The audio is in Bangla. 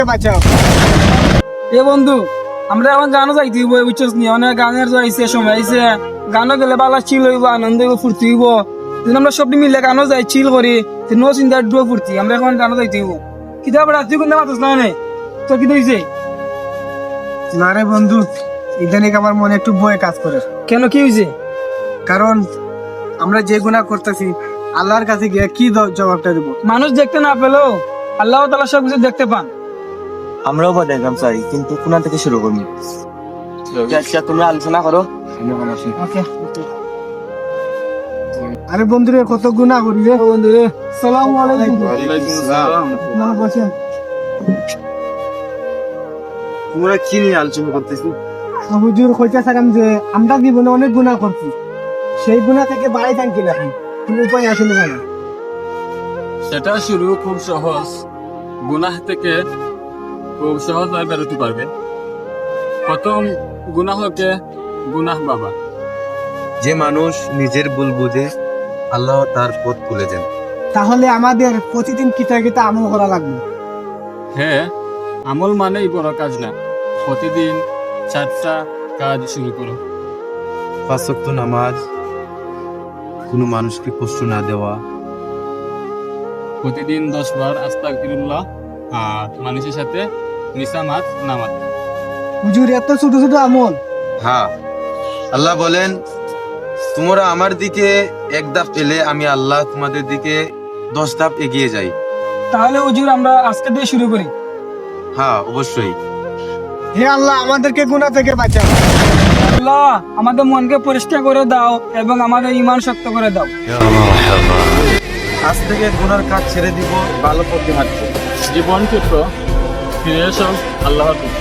বাঁচাও। এ বন্ধু, আমরা এখন গানও যাইতে হইব, বুঝছস নি? অনেক গানের যাইছে, সময় আইছে। গানও গেলে বালা চিল হইব, আনন্দ হইব, ফুর্তি হইব। যদি আমরা সব মিলে গানও যাই, চিল করি, নো চিন্তা ডুয়ো ফুর্তি। আমরা এখন গানও যাইতে হইব। কিতাব তুই কোনটা মাতস না নে? তোর কি হইছে? না রে বন্ধু, ইদানিক আমার মনে একটু ভয় কাজ করে। কেন, কি হইছে? কারণ আমরা যে গুনাহ করতেছি, আল্লাহর কাছে গিয়ে কি জবাবটা দেব? মানুষ দেখতে না পেলেও আল্লাহ তাআলা সব কিছু দেখতে পান। আমরাও দেখলাম চাই, কিন্তু কোনা থেকে শুরু করবো? আচ্ছা, তোমরা আলোচনা করো। ওকে। আরে বন্ধু রে, কত গুনাহ করি রে বন্ধু রে। আসসালামু আলাইকুম। না বসেন। তোমরা কি নিয়ে আলোচনা করতেছি? হুজুর কইতাছিলাম যে আমরা জীবনে অনেক গুনাহ করছি, সেই গুনাহ থেকে বাড়াই থাকি না, কোনো উপায় আছে না? সেটা শুরু খুব সহজ। গুনাহ থেকে খুব সহজভাবে বেরোতে পারবে। প্রথম গুনাহকে গুনাহ বাবা। যে মানুষ নিজের ভুল বুঝে, আল্লাহ তার পথ খুলে দেন। তাহলে আমাদের প্রতিদিন কিতা কিতা আমল করা লাগবে? হ্যাঁ, আমল মানেই বড় কাজ না। প্রতিদিন 4টা কাজ শুরু করো। 5 ওয়াক্ত নামাজ, কোনো মানুষকে কষ্ট না দেওয়া, প্রতিদিন 10 বার আস্তাগফিরুল্লাহ, আর মানুষের সাথে নিসামাত নামাজ। হুজুর, এত ছোট ছোট আমল? হ্যাঁ, আল্লাহ বলেন, তোমরা আমার দিকে এক ধাপ এলে আমি আল্লাহ তোমাদের দিকে 10 ধাপ এগিয়ে যাই। তাহলে হুজুর আমরা আজকে দিয়ে শুরু করি। হ্যাঁ, অবশ্যই। হে আল্লাহ, আমাদেরকে গুনাহ থেকে বাঁচাও। আল্লাহ, আমাদের মনকে পরিষ্কার করে দাও এবং আমাদের ঈমান শক্ত করে দাও। আজ থেকে গুনার কাজ ছেড়ে দিব, ভালো পথে হাঁটবো। জীবন ক্ষেত্র ফিরে এসো আল্লাহর প্রতি।